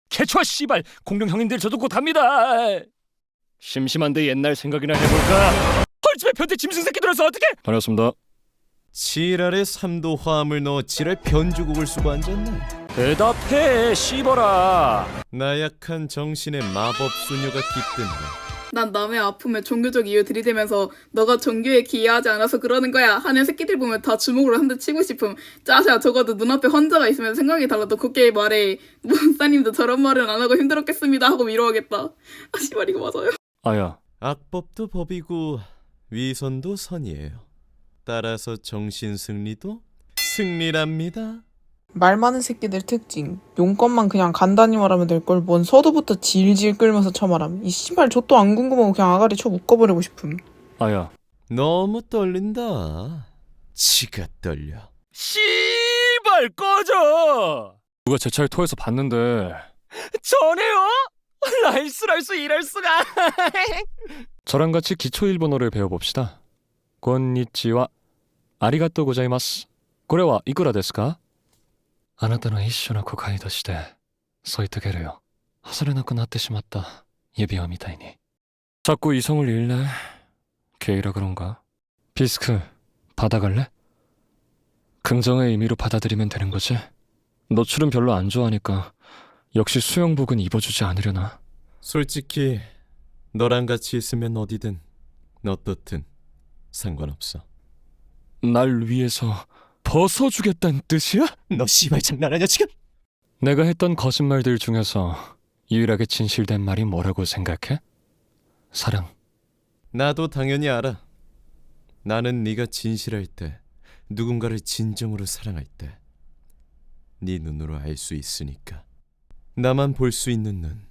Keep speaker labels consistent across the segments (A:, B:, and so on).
A: 개초아 씨발 공룡 형님들 저도 곧 합니다. 심심한데 옛날 생각이나 해볼까? 헐집에 변태 짐승 새끼 들어서 어떡해? 다녔습니다.
B: 지랄에 3도 화음을 넣어 지랄 변주곡을 쓰고 앉았네.
A: 대답해 씨발아.
B: 나약한 정신의 마법 소녀가 깃든다.
C: 난 남의 아픔에 종교적 이유 들이대면서 너가 종교에 기여하지 않아서 그러는 거야 하는 새끼들 보면 다 주먹으로 한 대 치고 싶음. 짜샤 적어도 눈앞에 환자가 있으면 생각이 달라도 곱게 말해. 목사님도 저런 말은 안 하고 힘들었겠습니다 하고 위로하겠다. 아 씨발 이거 맞아요?
A: 아야
B: 악법도 법이고 위선도 선이에요. 따라서 정신 승리도 승리랍니다.
D: 말 많은 새끼들 특징. 용건만 그냥 간단히 말하면 될 걸 뭔 서두부터 질질 끌면서 쳐말함. 이 씨발 저 또 안 궁금하고 그냥 아가리 쳐 묶어버리고 싶음.
A: 아야
B: 너무 떨린다. 지가 떨려.
A: 씨발 꺼져. 누가 제 차에 토해서 봤는데 전해요? 라이스 이럴 수가. 저랑 같이 기초 일본어를 배워봅시다. 곤니치와 아리가또 고자이마스. 고래와 이쿠라 데스か? あなたの一種の誤解として添い遂げるよ。外れなくなってしまった指輪みたいに。 자꾸 이성을 잃네. 게이라 그런가? 비스크 받아갈래? 긍정의 의미로 받아들이면 되는 거지? 노출은 별로 안 좋아하니까 역시 수영복은 입어주지 않으려나?
B: 솔직히 너랑 같이 있으면 어디든 어떻든 상관없어.
A: 날 위해서 벗어주겠다는 뜻이야?
B: 너 씨발 장난하냐 지금?
A: 내가 했던 거짓말들 중에서 유일하게 진실된 말이 뭐라고 생각해? 사랑.
B: 나도 당연히 알아. 나는 네가 진실할 때, 누군가를 진정으로 사랑할 때, 네 눈으로 알 수 있으니까. 나만 볼 수 있는 눈.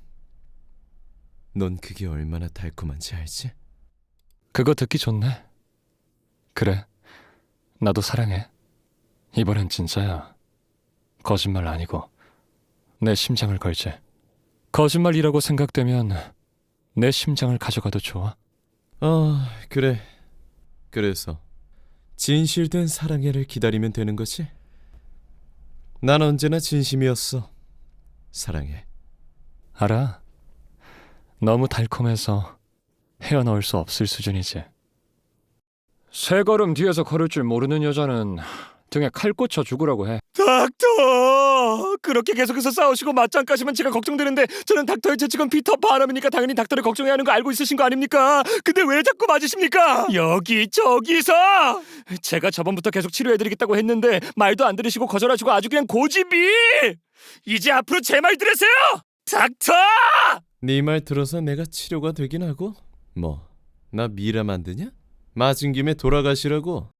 B: 넌 그게 얼마나 달콤한지 알지?
A: 그거 듣기 좋네. 그래, 나도 사랑해. 이번엔 진짜야. 거짓말 아니고 내 심장을 걸지. 거짓말이라고 생각되면 내 심장을 가져가도 좋아.
B: 그래. 그래서 진실된 사랑해를 기다리면 되는 거지? 난 언제나 진심이었어. 사랑해.
A: 알아. 너무 달콤해서 헤어놓을 수 없을 수준이지. 세 걸음 뒤에서 걸을 줄 모르는 여자는 등에 칼 꽂혀 죽으라고 해. 닥터! 그렇게 계속해서 싸우시고 맞짱까지만 제가 걱정되는데 저는 닥터의 재직은 피터 바람이니까 당연히 닥터를 걱정해야 하는 거 알고 있으신 거 아닙니까? 근데 왜 자꾸 맞으십니까? 여기저기서! 제가 저번부터 계속 치료해드리겠다고 했는데 말도 안 들으시고 거절하시고 아주 그냥 고집이! 이제 앞으로 제 말 들으세요! 닥터!
B: 네 말 들어서 내가 치료가 되긴 하고 뭐 나 미라 만드냐? 맞은 김에 돌아가시라고.